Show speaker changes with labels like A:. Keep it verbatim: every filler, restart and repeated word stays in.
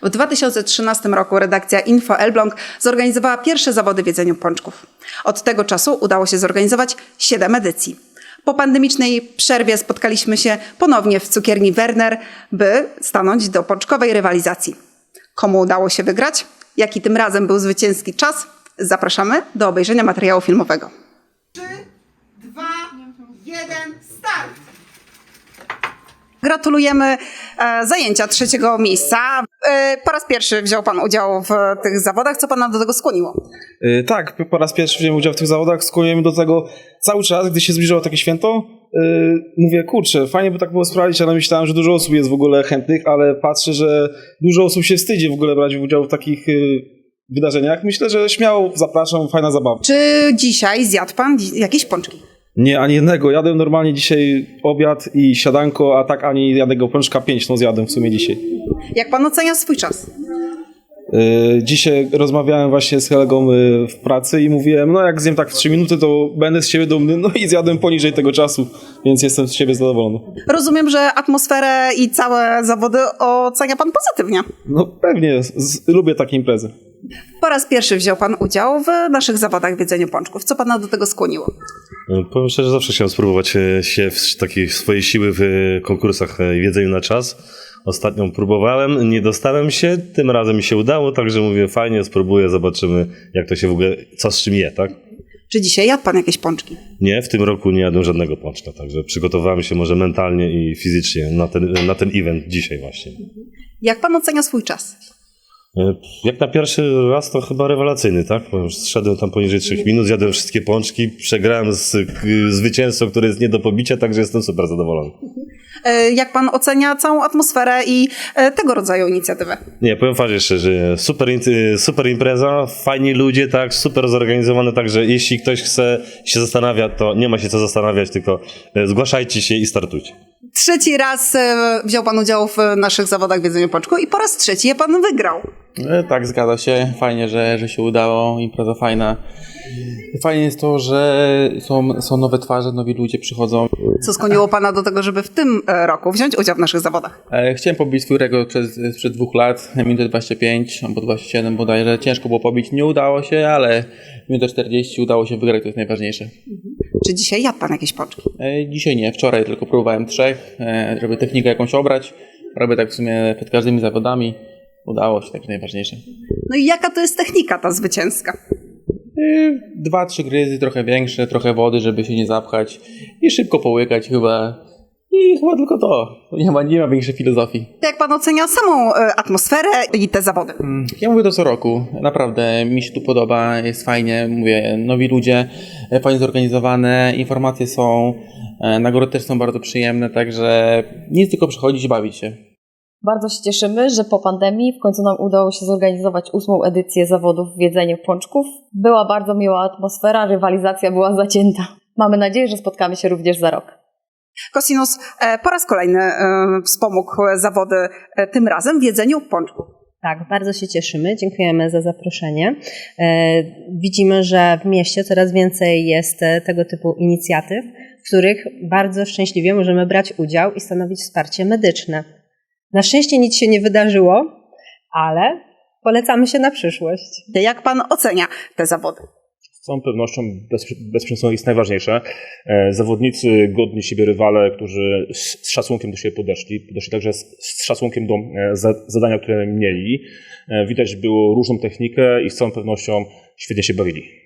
A: W dwa tysiące trzynastym roku redakcja Info Elbląg zorganizowała pierwsze zawody w jedzeniu pączków. Od tego czasu udało się zorganizować siedem edycji. Po pandemicznej przerwie spotkaliśmy się ponownie w cukierni Werner, by stanąć do pączkowej rywalizacji. Komu udało się wygrać? Jaki tym razem był zwycięski czas? Zapraszamy do obejrzenia materiału filmowego.
B: trzy, dwa, jeden, start!
A: Gratulujemy e, zajęcia trzeciego miejsca. E, po raz pierwszy wziął Pan udział w tych zawodach. Co Pana do tego skłoniło?
C: Yy, tak, po raz pierwszy wziąłem udział w tych zawodach. Skłoniłem do tego cały czas, gdy się zbliżało takie święto. Yy, mówię, kurczę, fajnie by tak było sprawdzić, ale myślałem, że dużo osób jest w ogóle chętnych, ale patrzę, że dużo osób się wstydzi w ogóle brać udział w takich yy, wydarzeniach. Myślę, że śmiało zapraszam, fajna zabawa.
A: Czy dzisiaj zjadł Pan dzi- jakieś pączki?
C: Nie, ani jednego. Jadłem normalnie dzisiaj obiad i siadanko, a tak ani jednego pączka, pięć no zjadłem w sumie dzisiaj.
A: Jak Pan ocenia swój czas?
C: Yy, dzisiaj rozmawiałem właśnie z kolegą yy, w pracy i mówiłem, no jak zjem tak w trzy minuty, to będę z siebie dumny, no i zjadłem poniżej tego czasu, więc jestem z siebie zadowolony.
A: Rozumiem, że atmosferę i całe zawody ocenia Pan pozytywnie.
C: No pewnie, z, z, lubię takie imprezy.
A: Po raz pierwszy wziął Pan udział w naszych zawodach w jedzeniu pączków. Co Pana do tego skłoniło?
D: Powiem szczerze, zawsze chciałem spróbować e, się w takiej swojej siły w e, konkursach e, w jedzeniu na czas. Ostatnią próbowałem, nie dostałem się, tym razem mi się udało, także mówię fajnie, spróbuję, zobaczymy jak to się w ogóle, co z czym je, tak?
A: Czy dzisiaj jadł Pan jakieś pączki?
D: Nie, w tym roku nie jadłem żadnego pączka, także przygotowałem się może mentalnie i fizycznie na ten, na ten event dzisiaj właśnie.
A: Jak Pan ocenia swój czas?
D: E, Jak na pierwszy raz to chyba rewelacyjny, tak? Bo już zszedłem tam poniżej trzech minut, zjadłem wszystkie pączki, przegrałem z k- zwycięzcą, który jest nie do pobicia, także jestem super zadowolony.
A: E, Jak Pan ocenia całą atmosferę i e, tego rodzaju inicjatywę?
D: Nie, powiem Wam jeszcze, że super, in- super impreza, fajni ludzie, tak, super zorganizowane, także jeśli ktoś chce, się zastanawia, to nie ma się co zastanawiać, tylko e, zgłaszajcie się i startujcie.
A: Trzeci raz e, wziął Pan udział w naszych zawodach w jedzeniu pączku i po raz trzeci je Pan wygrał.
E: E, Tak, zgadza się. Fajnie, że, że się udało. Impreza fajna. Fajnie jest to, że są, są nowe twarze, nowi ludzie przychodzą.
A: Co skłoniło Pana do tego, żeby w tym e, roku wziąć udział w naszych zawodach?
E: E, Chciałem pobić swój rekord przez, sprzed dwóch lat, minutę dwadzieścia pięć albo dwadzieścia siedem bodajże. Ciężko było pobić, nie udało się, ale minutę czterdzieści udało się wygrać, to jest najważniejsze.
A: Czy dzisiaj jadł Pan jakieś pączki?
E: E, Dzisiaj nie, wczoraj tylko próbowałem trzech, e, żeby technikę jakąś obrać. Robię tak w sumie przed każdymi zawodami. Udało się, tak najważniejsze.
A: No i jaka to jest technika ta zwycięska?
E: Yy, Dwa, trzy gryzy, trochę większe, trochę wody, żeby się nie zapchać i szybko połykać chyba. I chyba tylko to. Nie ma, nie ma większej filozofii.
A: Jak Pan ocenia samą e, atmosferę i te zawody?
E: Ja mówię to co roku. Naprawdę mi się tu podoba, jest fajnie. Mówię, nowi ludzie, e, fajnie zorganizowane, informacje są, e, nagrody też są bardzo przyjemne, także nic tylko przychodzić i bawić się.
F: Bardzo się cieszymy, że po pandemii w końcu nam udało się zorganizować ósmą edycję zawodów w jedzeniu pączków. Była bardzo miła atmosfera, rywalizacja była zacięta. Mamy nadzieję, że spotkamy się również za rok.
A: Cosinus e, po raz kolejny e, wspomógł zawody, e, tym razem w jedzeniu pączków.
G: Tak, bardzo się cieszymy. Dziękujemy za zaproszenie. E, widzimy, że w mieście coraz więcej jest e, tego typu inicjatyw, w których bardzo szczęśliwie możemy brać udział i stanowić wsparcie medyczne. Na szczęście nic się nie wydarzyło, ale polecamy się na przyszłość.
A: Jak Pan ocenia te zawody?
H: Z całą pewnością bezpieczeństwo jest najważniejsze. E, Zawodnicy, godni siebie rywale, którzy z z szacunkiem do siebie podeszli, podeszli także z, z szacunkiem do e, za, zadania, które mieli. E, Widać było różną technikę i z całą pewnością świetnie się bawili.